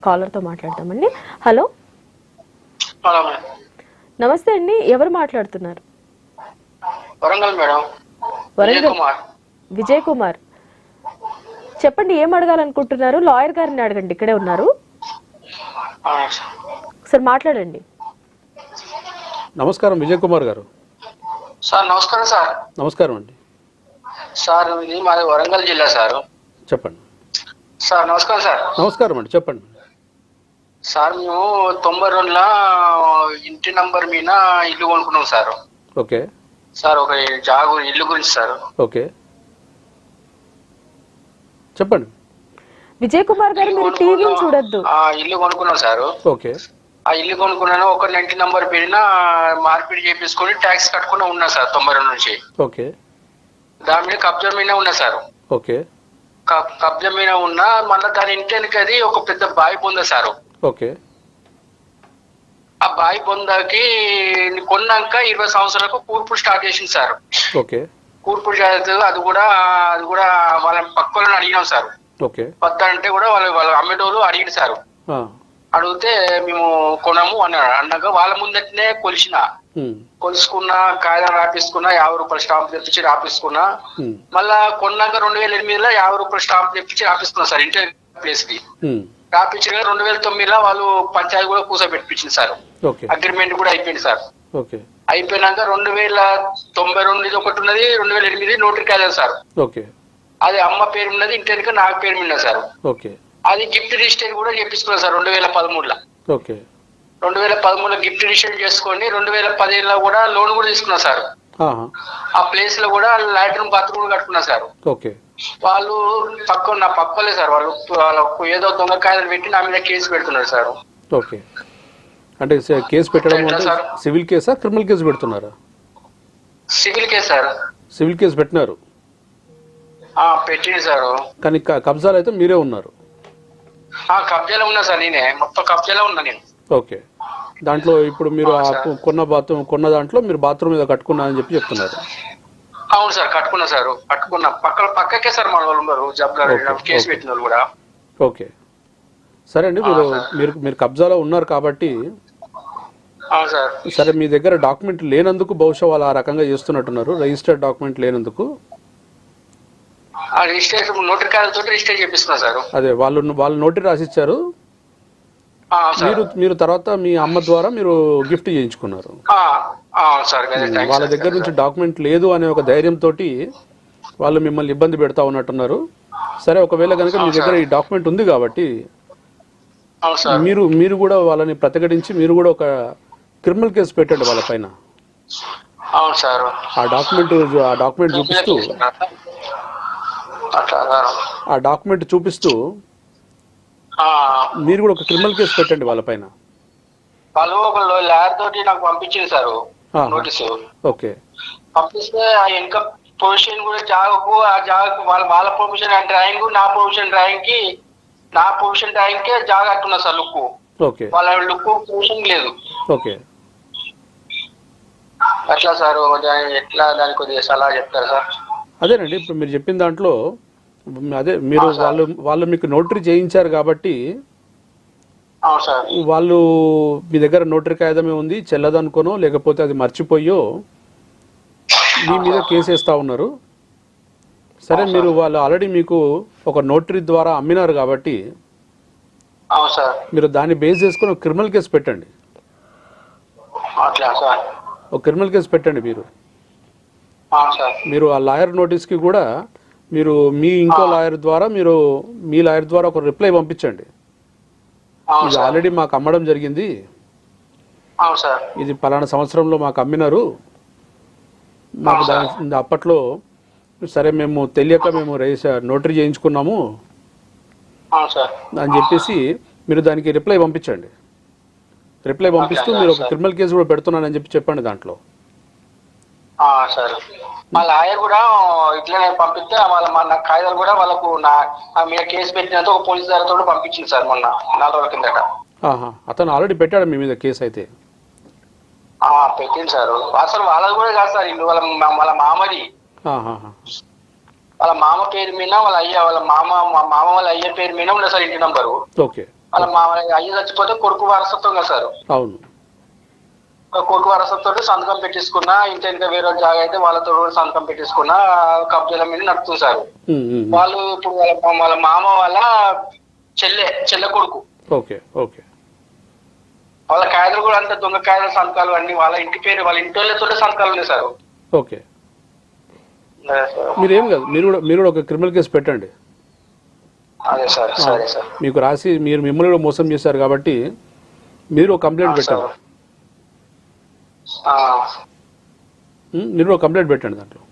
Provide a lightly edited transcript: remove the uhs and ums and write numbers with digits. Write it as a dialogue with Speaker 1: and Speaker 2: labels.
Speaker 1: కాలర్తో మాట్లాడదామండి. హలో, నమస్తే అండి. ఎవరు మాట్లాడుతున్నారు?
Speaker 2: వరంగల్ మేడం.
Speaker 1: వరంగల్ విజయ్ కుమార్. చెప్పండి, ఏం అడగాలనుకుంటున్నారు? లాయర్ గారిని అడగండి, ఇక్కడే ఉన్నారు. సార్ మాట్లాడండి.
Speaker 3: నమస్కారం విజయ్ కుమార్ గారు.
Speaker 2: సార్ నమస్కారం. సార్
Speaker 3: నమస్కారం అండి.
Speaker 2: సార్ ఇది మాది వరంగల్ జిల్లా సార్.
Speaker 3: చెప్పండి
Speaker 2: సార్. నమస్కారం సార్.
Speaker 3: నమస్కారం అండి, చెప్పండి
Speaker 2: సార్. మేము 92లో ఇంటి నంబర్ మీద ఇల్లు కొనుక్కున్నాం సార్.
Speaker 3: ఓకే
Speaker 2: సార్, ఒక ఇల్లు గురించి సార్.
Speaker 3: ఓకే చెప్పండి.
Speaker 1: విజయ్ కుమార్ గారు, మీరు టీవీ చూడొద్దు.
Speaker 2: ఇల్లు కొనుక్కున్నాం సార్.
Speaker 3: ఓకే.
Speaker 2: ఆ ఇల్లు కొనుక్కున్నాను, ఒక ఇంటి నంబర్ పేరున మార్పిడి చేపించుకొని ట్యాక్స్ కట్టుకుని ఉన్నా సార్ 92 నుంచి.
Speaker 3: ఓకే.
Speaker 2: దాని మీద కబ్జా మీద ఉన్నా సార్.
Speaker 3: ఓకే.
Speaker 2: కబ్జా మీద ఉన్నా, మళ్ళీ దాని ఇంటికి అది ఒక పెద్ద బావి పొందా సార్.
Speaker 3: ఓకే.
Speaker 2: ఆ బావి పొందాకి కొన్నాక 20 సంవత్సరాలకు కూర్పు స్టార్ట్ చేసింది సార్.
Speaker 3: ఓకే.
Speaker 2: కూర్పు అది కూడా వాళ్ళ పక్కలను అడిగినాం సార్.
Speaker 3: ఓకే.
Speaker 2: కొత్త అంటే కూడా వాళ్ళు అమ్మేటోళ్ళు అడిగిన సార్. అడిగితే మేము కొనము అన్నాక వాళ్ళ ముందటనే కొలుసుకున్నా, కాగితం రాపిస్తుకున్నా, 50 రూపాయల స్టాంప్ తెప్పించి రాపిస్తుకున్నా. మళ్ళా కొన్నాక 2008లో 50 రూపాయల స్టాంప్ తెప్పించి రాపిస్తున్నా సార్ ఇంటర్ ప్లేస్ కి. రాపించిన 2009లో వాళ్ళు పంచాయతీ కూడా కూర్చోబెట్టించింది సార్. అగ్రిమెంట్ కూడా అయిపోయింది సార్. అయిపోయినాక 2092 ఒకటి ఉన్నది, 2008 నోటరీ కాలేదు సార్. అది అమ్మ పేరు ఉన్నది, ఇంటి నాకు పేరు మీద సార్. అది గిఫ్ట్ రిజిస్టర్ కూడా చేపించుకున్నాను సార్ 2013లో. 2013లో గిఫ్ట్ రిజిస్టర్ చేసుకొని 2017లో కూడా లోన్ కూడా తీసుకున్నా సార్. ఆ ప్లేస్ లో కూడా లాట్రిన్ బాత్రూమ్ కట్టుకున్నా సార్. వాళ్ళు నా పక్కలే సార్. వాళ్ళకు ఏదో దొంగ కాయలు పెట్టి నా మీద కేసు పెడుతున్నారు సార్.
Speaker 3: ఓకే. అంటే కేసు పెట్టడం సివిల్ కేసా, క్రిమినల్ కేసు పెడుతున్నారా?
Speaker 2: Civil case sir.
Speaker 3: Civil case పెట్టినారు.
Speaker 2: పెట్టింది సార్.
Speaker 3: కానీ కబ్జాలు అయితే మీరే ఉన్నారు.
Speaker 2: కబ్జాలో ఉన్నా సార్, నేనే మొత్తం కబ్జాలో ఉన్నా నేను.
Speaker 3: ఓకే. దాంట్లో ఇప్పుడు మీరు కొన్న దాంట్లో మీరు బాత్రూమ్ మీద కట్టుకున్నా అని చెప్పి చెప్తున్నారు.
Speaker 2: అవును సార్, కట్టుకున్నా సార్. కట్టుకున్నా పక్కకే సార్ మన వాళ్ళు ఉన్నారు, కేసు పెట్టిన వాళ్ళు కూడా.
Speaker 3: ఓకే, సరే అండి. మీరు కబ్జాలో ఉన్నారు కాబట్టి సరే, మీ దగ్గర డాక్యుమెంట్ లేనందుకు బహుశా వాళ్ళు ఆ రకంగా చేస్తున్నట్టున్నారు. రిజిస్టర్డ్ డాక్యుమెంట్ లేనందుకు అదే వాళ్ళు నోటరీ రాసిచ్చారు. మీరు తర్వాత మీ అమ్మ ద్వారా మీరు గిఫ్ట్ చేయించుకున్నారు. వాళ్ళ దగ్గర నుంచి డాక్యుమెంట్ లేదు అనే ఒక ధైర్యంతో వాళ్ళు మిమ్మల్ని ఇబ్బంది పెడతా ఉన్నట్టున్నారు. సరే, ఒకవేళ కనుక మీ దగ్గర ఈ డాక్యుమెంట్ ఉంది కాబట్టి మీరు కూడా వాళ్ళని ప్రతిఘటించి మీరు కూడా ఒక క్రిమినల్ కేసు పెట్టండి వాళ్ళ పైన. ఆ డాక్యుమెంట్ చూపిస్తూ మీరు కూడా ఒక క్రిమినల్ కేసు పెట్టండి వాళ్ళ పైన.
Speaker 2: వాళ్ళు ఒక లాయర్ తోటి నాకు పంపించింది సార్ నోటీసు.
Speaker 3: ఓకే.
Speaker 2: పంపిస్తే ఆ వెనక పొజిషన్ కూడా జాగకు వాళ్ళ పొజిషన్ డ్రాయింగ్, నా పొజిషన్ డ్రాయింగ్ కే జాగ అట్టున్నా సార్ లుక్.
Speaker 3: ఓకే.
Speaker 2: వాళ్ళ లుక్ పొజిషన్ లేదు.
Speaker 3: ఓకే.
Speaker 2: అట్లా సార్, ఎట్లా దానికి కొద్దిగా సలహా చెప్తారు సార్?
Speaker 3: అదేనండి, ఇప్పుడు మీరు చెప్పిన దాంట్లో అదే మీరు వాళ్ళు మీకు నోటరీ చేయించారు కాబట్టి వాళ్ళు మీ దగ్గర నోటరీ కాగితమే ఉంది, చెల్లదనుకోనో లేకపోతే అది మర్చిపోయో మీ మీద కేసు వేస్తా ఉన్నారు. సరే, వాళ్ళు ఆల్రెడీ మీకు ఒక నోటరీ ద్వారా అమ్మినారు కాబట్టి మీరు దాన్ని బేస్ చేసుకుని ఒక క్రిమినల్ కేసు పెట్టండి. ఒక క్రిమినల్ కేసు పెట్టండి. మీరు ఆ లాయర్ నోటీస్కి కూడా మీరు ఇంకో లాయర్ ద్వారా మీ లాయర్ ద్వారా ఒక రిప్లై పంపించండి. ఇది ఆల్రెడీ మాకు అమ్మడం జరిగింది, ఇది పలానా సంవత్సరంలో మాకు అమ్మినారు, మాకు అప్పట్లో సరే మేము తెలియక మేము నోటరీ చేయించుకున్నాము అని చెప్పేసి మీరు దానికి రిప్లై పంపించండి. రిప్లై పంపిస్తూ మీరు ఒక క్రిమినల్ కేసు కూడా పెడుతున్నానని చెప్పండి దాంట్లో.
Speaker 2: మా లాయర్ కూడా ఇట్లనే పంపిస్తే నా కాగితాలు కూడా వాళ్ళకు నా మీద కేసు పెట్టినంత ఒక పోలీస్ దారితో కూడా పంపించింది సార్ మొన్న 4 రోజుల కిందట.
Speaker 3: అతను ఆల్రెడీ పెట్టాడు మీ మీద కేసు అయితే?
Speaker 2: పెట్టింది సార్. అసలు వాళ్ళది కూడా కాదు సార్, ఇల్లు వాళ్ళ మామది. వాళ్ళ మామ పేరు మీద వాళ్ళ మామ వాళ్ళ అయ్య పేరు మీద ఉండదు సార్ ఇంటి నంబరు.
Speaker 3: ఓకే.
Speaker 2: వాళ్ళ మా అయ్య చచ్చిపోతే కొడుకు వారసత్వం కదా సార్.
Speaker 3: అవును.
Speaker 2: కొడుకు వారసత్వంతో సంతకం పెట్టించుకున్నా, ఇంత ఇంకా వేరే జాగా అయితే వాళ్ళతో కూడా సంతకం పెట్టించుకున్నా, కబ్జాల మీద నడుపుతుంది సార్. వాళ్ళు ఇప్పుడు వాళ్ళ మామ వాళ్ళ చెల్లె కొడుకు.
Speaker 3: Okay okay.
Speaker 2: వాళ్ళ కాయలు కూడా అంత దొంగ కాయల సంతకాలు అన్ని వాళ్ళ ఇంటి పేరు వాళ్ళ ఇంటి వాళ్ళతో సంతకాలు ఉన్నాయి సార్.
Speaker 3: ఓకే. మీరేం కాదు, మీరు కూడా ఒక క్రిమినల్ కేసు పెట్టండి.
Speaker 2: అదే సార్. సరే సార్.
Speaker 3: మీకు రాసి మిమ్మల్ని కూడా మోసం చేశారు కాబట్టి మీరు ఒక కంప్లైంట్ పెట్టండి. మీరు ఒక కంప్లైంట్ పెట్టండి దాంట్లో.